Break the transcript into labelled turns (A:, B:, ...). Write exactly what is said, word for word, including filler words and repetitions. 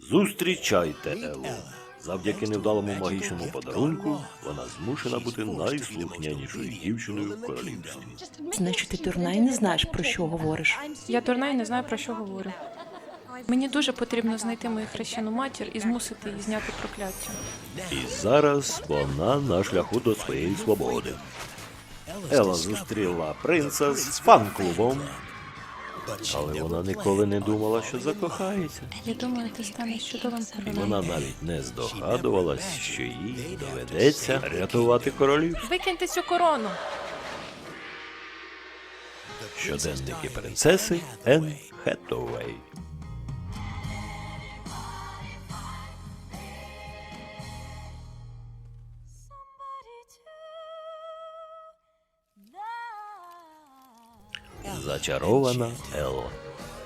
A: Зустрічайте Еллу. Завдяки невдалому магічному подарунку вона змушена бути найслухнянішою дівчиною в королівстві.
B: Значить, ти дурна і не знаєш, про що говориш.
C: Я дурна і не знаю, про що говорю. Мені дуже потрібно знайти мою хрещену матір і змусити її зняти прокляття.
A: І зараз вона на шляху до своєї свободи. Елла зустріла принца з фан-клубом, але вона ніколи не думала, що закохається.
C: Я думаю, ти станеш чудовим
A: І
C: королем.
A: вона навіть не здогадувалась, що їй доведеться рятувати королів.
C: Викиньте цю корону!
A: Щоденники принцеси Енн Хеттауей. Зачарована Елла.